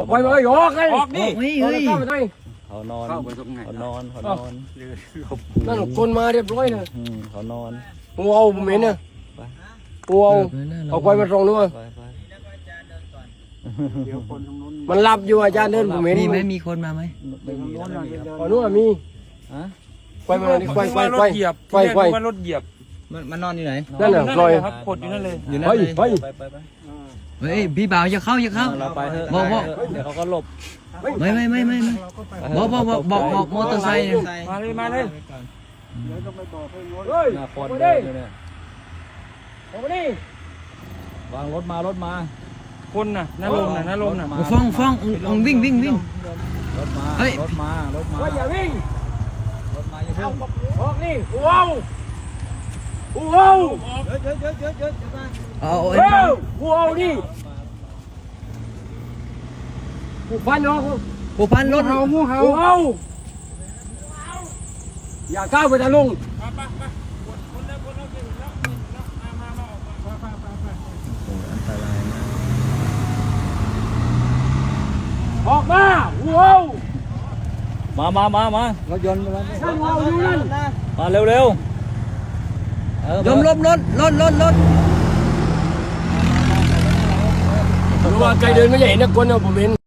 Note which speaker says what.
Speaker 1: ไปเลยออกเลยออกนี่
Speaker 2: เฮ้ย
Speaker 1: เข้าไปได้
Speaker 3: เขานอนเขานอนเขานอน
Speaker 1: นั่นคนมาเรียบร้อยนะ
Speaker 3: เขานอน
Speaker 1: กูเอาผมเห็นนะกูเอาไปมาตรงนู้น
Speaker 3: ไปไป
Speaker 1: มันหลับอยู่อาจารย์เดินผมเห็น
Speaker 2: มีไหมมีคนมาไหม
Speaker 3: ไม่มีแล้วไม่มีแล้ว
Speaker 1: อ๋อนู้นมี
Speaker 3: ฮะ
Speaker 1: ไปมาดิไปว่ารถเหยียบ
Speaker 2: มันนอนอยู่ไหน
Speaker 1: นั่นน่ะปล่อย
Speaker 4: ครับกดอยู่นั่นเลย
Speaker 2: อยู่นั่น
Speaker 1: ไป
Speaker 2: เลย
Speaker 1: ไป
Speaker 3: ไป
Speaker 2: เฮ้ยพี่บ่าวอย่าเข้าอย่าเข้า
Speaker 3: เราไปเถอะ
Speaker 2: บอก
Speaker 3: เดี๋ยวเขาก็หลบ
Speaker 2: ไม่บอกมอเตอร์ไซค์
Speaker 4: มาเลยมาเลย
Speaker 1: เฮ้ย
Speaker 3: หน้าคน
Speaker 1: ไป
Speaker 3: เดิ
Speaker 1: ดิ
Speaker 3: นอยู่เนี่ย
Speaker 1: ออกมาดิ
Speaker 3: วางรถมา
Speaker 4: คนน่ะน้าลมน่ะ
Speaker 2: ฟ้องวิ่ง
Speaker 3: รถมา
Speaker 2: เฮ้ย
Speaker 3: รถมา
Speaker 1: ว่าอย่าวิ่ง
Speaker 3: รถมาอย่าเพิ่ง
Speaker 1: ออกนี่กูเอากูเอา
Speaker 3: เยอะมา
Speaker 2: เอา
Speaker 1: เฮ้ยกูเอาดิกูฟันออก
Speaker 2: ผู้พันรถ
Speaker 1: กูเอาอย่าก้าวไปทางลุงออกมากูเอา
Speaker 3: มารถยนต์มาแล้ว
Speaker 1: นั่นกูเอาอยู่นั่น
Speaker 3: มาเร็ว
Speaker 2: ลมรถ
Speaker 1: รู้ว่าใครเดินไม่ใช่เห็นนะคนเอาผมเห็น